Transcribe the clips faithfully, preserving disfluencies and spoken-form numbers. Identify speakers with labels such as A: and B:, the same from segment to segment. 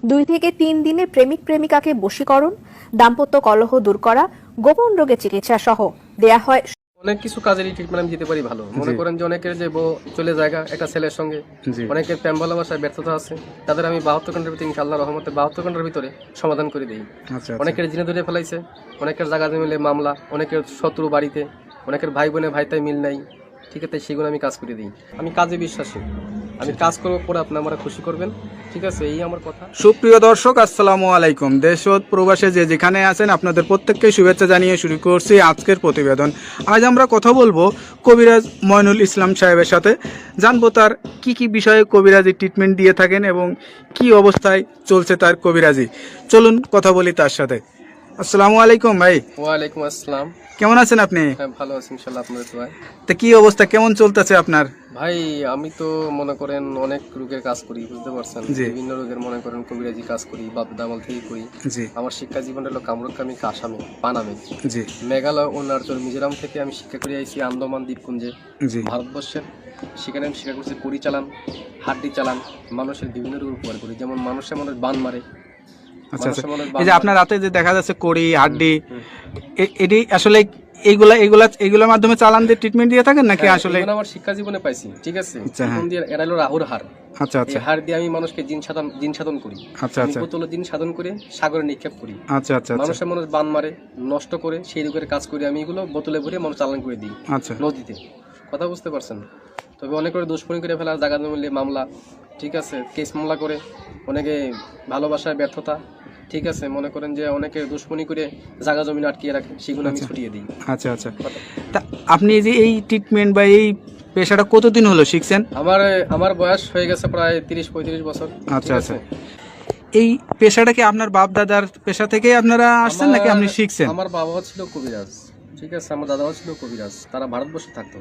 A: দুই থেকে তিন দিনে প্রেমিক প্রেমিকাকে বশীকরণ, দাম্পত্য কলহ দূর করা, গোপন রোগের চিকিৎসা সহ দেয়া হয়।
B: অনেক কিছু কাজেরই ট্রিটমেন্ট আমি দিতে পারি ভালো। মনে করেন যে অনেকের যে বউ চলে যায় একটা ছেলের সঙ্গে, অনেকের প্রেম ভালোবাসায় ব্যর্থতা আছে, তাদের আমি বাহাত্তর ঘন্টার ভিতরে ইনশাআল্লাহ রহমতে বাহাত্তর ঘন্টার ভিতরে সমাধান করে দিই। অনেকের জিনে ধরে ফেলাইছে, অনেকের জায়গা মিলে মামলা, অনেকের শত্রু বাড়িতে, অনেকের ভাই বোনে ভাইতাই মিল নাই, ঠিক আছে, সেগুলো আমি কাজ করে দিই। আমি কাজে বিশ্বাসী, আমি কাজ করবো পরে আপনি আমরা খুশি করবেন, ঠিক আছে, এই আমার কথা।
C: সুপ্রিয় দর্শক, আসসালামু আলাইকুম। দেশ ও প্রবাসে যে যেখানে আছেন আপনাদের প্রত্যেককে শুভেচ্ছা জানিয়ে শুরু করছি আজকের প্রতিবেদন। আজ আমরা কথা বলবো কবিরাজ ময়নুল ইসলাম সাহেবের সাথে, জানবো তার কি কি বিষয়ে কবিরাজি ট্রিটমেন্ট দিয়ে থাকেন এবং কি অবস্থায় চলছে তার কবিরাজি। চলুন কথা বলি তার সাথে। আসসালামু আলাইকুম ভাই।
B: ওয়ালাইকুম আসসালাম।
C: কেমন আছেন আপনি?
B: হ্যাঁ, ভালো আছি ইনশাআল্লাহ, আপনাদের দোয়ায়।
C: তা কি অবস্থা, কেমন চলতেছে আপনার?
B: ভাই আমি তো মনে করেন অনেক রোগের কাজ করি, বুঝতে পারছেন, বিভিন্ন রোগের মনে করেন কবিরাজি কাজ করি, বাপ দামাল থেকে করি। আমার শিক্ষা জীবন হলো কামরুকামি আসামে পানামে, মেঘালয়, অরুণাচল, মিজোরাম থেকে আমি শিক্ষা করে আইছি আন্দামান দ্বীপপুঞ্জে, ভারতবর্ষের। সেখানে আমি শিক্ষা করছি কড়ি চালান, হাড্ডি চালান, মানুষের বিভিন্ন রোগ উপকার করি। যেমন মানুষের মানুষ বান মারে।
C: আচ্ছা আচ্ছা, এই যে আপনার রাতে যে দেখা যাচ্ছে কড়ি হাড্ডি, এটি আসলে এইগুলা এইগুলা এইগুলোর মাধ্যমে চালান দিয়ে ট্রিটমেন্ট দিয়ে থাকেন নাকি? আসলে
B: আমার শিক্ষা জীবনে পাইছি, ঠিক আছে, এরা হলো রাহুর হার।
C: আচ্ছা আচ্ছা,
B: হার দিয়ে আমি মানুষকে জিন সাধন জিন সাধন করি। আচ্ছা আচ্ছা, বোতল জিন সাধন করে সাগরে নিক্ষেপ করি। আচ্ছা আচ্ছা, মানুষের মানুষ বান মারে, নষ্ট করে, সেই রোগের কাজ করি আমি। এগুলো বোতলে ভরে মানুষ চালান করে দিই আচ্ছা নদীতে। কথা বুঝতে পারছেন? তবে অনেক করে দুষ্কর্মী করে ফেলা, জায়গা মিলে মামলা, ঠিক আছে, কেস মামলা করে, অনেকে ভালোবাসায় ব্যর্থতা, ঠিক আছে, মনে করেন যে অনেকে দুশ্মনী করে জায়গা জমি আটকিয়ে রাখে, সেগুলো আমি ছুটিয়ে দিই। আচ্ছা আচ্ছা,
C: তা আপনি যে এই ট্রিটমেন্ট বা এই পেশাটা কতদিন হলো শিখছেন?
B: আমার আমার বয়স হয়ে গেছে প্রায় তিরিশ পঁয়ত্রিশ বছর।
C: আচ্ছা আচ্ছা, এই পেশাটা কি আপনার বাপ দাদার পেশা থেকে আপনারা আসছেন নাকি আপনি শিখছেন?
B: আমার বাবা ছিল কবিরাজ, ঠিক আছে, আমার দাদাও ছিল কবিরাজ। তারা ভারতবর্ষে থাকতো,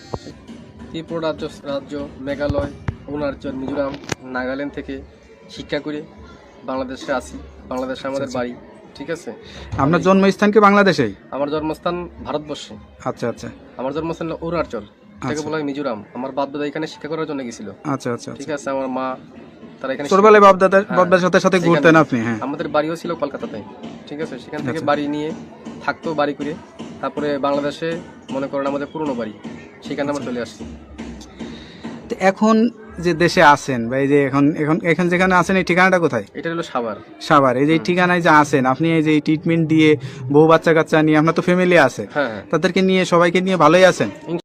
B: ত্রিপুরা রাজ্য রাজ্য মেঘালয়, অরুণাচল, মিজোরাম, নাগাল্যান্ড থেকে শিক্ষা করে বাংলাদেশে আসি। বাংলাদেশে আমাদের বাড়ি, ঠিক আছে।
C: আপনার জন্মস্থান কি বাংলাদেশেই?
B: আমার জন্মস্থান ভারতবর্ষে। আচ্ছা আচ্ছা, আমার জন্মস্থান হলো অরুণাচল, এটাকে বলা হয় মিজোরাম। আমার বাপ দাদা এখানে শিক্ষা করার জন্য গেছিল। আচ্ছা আচ্ছা, ঠিক আছে। আমার মা তারা এখানে ছোটবেলায় বাপ দাদা বাপ দাদার সাথে সাথে ঘুরতেন আপনি? হ্যাঁ, আমাদের বাড়িও ছিল কলকাতাতে, ঠিক আছে। সেখান থেকে বাড়ি নিয়ে থাকতো, বাড়ি করে তারপরে বাংলাদেশে মনে করেন আমাদের পুরনো বাড়ি, সেখানে আমরা চলে আসছি।
C: এখন যে দেশে আছেন বা এই যে এখন এখন এখন যেখানে আছেন, এই ঠিকানাটা কোথায়?
B: এটা হলো সাভার।
C: সাভার, এই যে ঠিকানায় যে আছেন আপনি, এই যে ট্রিটমেন্ট দিয়ে বউ বাচ্চা কাচ্চা নিয়ে, আপনার তো ফ্যামিলি আছে, তাদেরকে নিয়ে সবাইকে নিয়ে ভালোই আছেন?